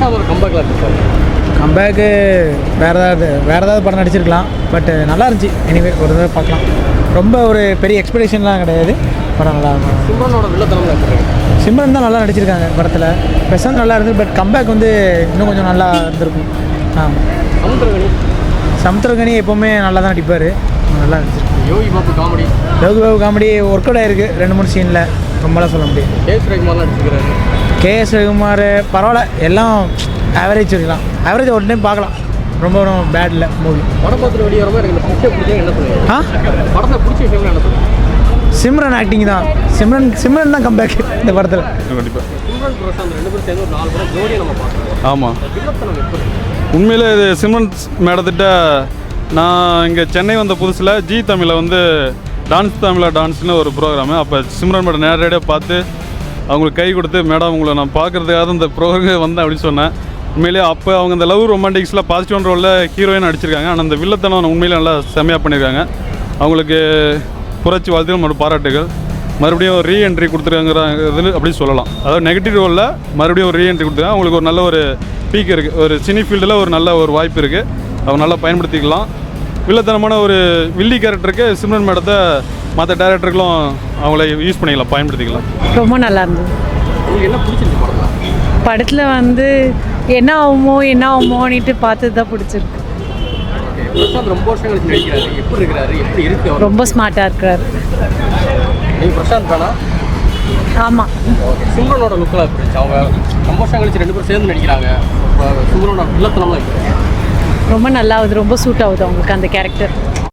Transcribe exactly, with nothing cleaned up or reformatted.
பிரசாத் ஒரு கம்பேக்லாம் இருந்துச்சு. கம்பேக்கு வேறு ஏதாவது வேறு ஏதாவது படம் நடிச்சிருக்கலாம். பட் நல்லா இருந்துச்சு. எனிவே ஒரு தடவை பார்க்கலாம். ரொம்ப ஒரு பெரிய எக்ஸ்பெக்டேஷன்லாம் கிடையாது. படம் நல்லா இருக்கும். சிம்ரனோட வில்லத்தனம் நடிச்சிருக்காங்க. சிம்ரன் தான் நல்லா நடிச்சிருக்காங்க படத்தில். பிரசாந்த் நல்லா இருந்தது. பட் கம்பேக் வந்து இன்னும் கொஞ்சம் நல்லா இருந்திருக்கும். ஆமாம். சமுத்திரகனி சமுத்திரகனி எப்போவுமே நல்லா தான் நடிப்பார். நல்லா நடிச்சிருக்கு. Yogi Babu comedy Yogi Babu comedy work out ஆகிருக்கு ரெண்டு மூணு சீனில். ரொம்பலாம் சொல்ல முடியும். கே எஸ் ரவிக்குமார்லாம் நடிச்சிருக்காரு. கே எஸ் ரவிக்குமார் பரவாயில்ல. எல்லாம் ஆவரேஜ் இருக்கலாம். ஆவரேஜ் ஒரு டைம் பார்க்கலாம். ரொம்ப ரொம்ப பேட் இல்லை மூவி. படம் பார்த்துட்டு வெளியே வரமா எனக்கு இந்த பிடிச்ச பிடிச்சா என்ன சொல்லுவீங்க? ஆ படத்தை பிடிச்ச விஷயங்கள் என்ன சொல்லுவீங்க? சிம்ரன் ஆக்டிங் தான். சிம்ரன் சிம்ரன் தான் கம்பேக் இந்த படத்தில். கண்டிப்பாக சிம்ரன் பிரசாந்த் ரெண்டு பேரும் சேர்ந்து ஒரு நாலு படம் ஜோடியை நம்ம பார்க்குறோம். ஆமாம். வில்லத்தனம் எப்படி? உண்மையிலே இது சிம்ரன் மேடத்திட்ட நான் இங்கே சென்னை வந்த புதுசில் ஜி தமிழில் வந்து டான்ஸ் தமிழா டான்ஸ்னு ஒரு ப்ரோக்ராமு. அப்போ சிம்ரன் மேடம் நேரடியாக பார்த்து அவங்களுக்கு கை கொடுத்து மேடம் உங்களை நான் பார்க்குறதுக்காக இந்த ப்ரோக்ராம் வந்தேன் அப்படின்னு சொன்னேன். உண்மையிலேயே அப்போ அவங்க இந்த லவ் ரொமான்டிக்ஸில் பாசிட்டிவான ரோலில் ஹீரோயின் நடிச்சிருக்காங்க. ஆனால் அந்த வில்லத்தனம் உண்மையிலே நல்லா செம்மையாக பண்ணியிருக்காங்க. அவங்களுக்கு புரட்சி வாழ்த்துகள் மற்றும் பாராட்டுகள். மறுபடியும் ரீ என்ட்ரி கொடுத்துருக்காங்கிறது அப்படின்னு சொல்லலாம். அதாவது நெகட்டிவ் ரோலில் மறுபடியும் ஒரு ரீ என்ட்ரி கொடுத்துருக்காங்க. அவங்களுக்கு ஒரு நல்ல ஒரு பீக் இருக்குது. ஒரு சினி ஃபீல்டில் ஒரு நல்ல ஒரு வாய்ப்பு இருக்குது. அவங்க நல்லா பயன்படுத்திக்கலாம். வில்லத்தனமான ஒரு வில்லி கேரக்டருக்கு சிம்ரன் மேடத்தை மற்ற டேரக்டர்களும் அவங்கள யூஸ் பண்ணிக்கலாம், பயன்படுத்திக்கலாம். ரொம்ப நல்லா இருந்தது. உங்களுக்கு என்ன பிடிச்சிருந்துச்சு படத்தில்? படத்தில் வந்து என்ன ஆகுமோ என்ன ஆகுமோன்னுட்டு பார்த்து தான் பிடிச்சிருக்கு. பிரசாந்த் ரொம்ப வருஷம் கழிச்சு நடிக்கிறாரு. எப்படி இருக்கிறாரு? எப்படி இருக்கு அவர்? ரொம்ப ஸ்மார்ட்டாக இருக்கிறாரு. நீங்கள் பிரசாந்த் தானா? ஆமாம். ஓகே. சிம்ரனோட லுக்கெல்லாம் எப்படி இருந்துச்சு? அவங்க ரொம்ப வருஷம் கழிச்சு ரெண்டு பேரும் சேர்ந்து நடிக்கிறாங்க. சிம்ரனோட வில்லத்தனம்லாம் எப்படி? ரொம்ப நல்லா ஆகுது. ரொம்ப சூட் ஆகுது அவங்களுக்கு அந்த கேரக்டர்.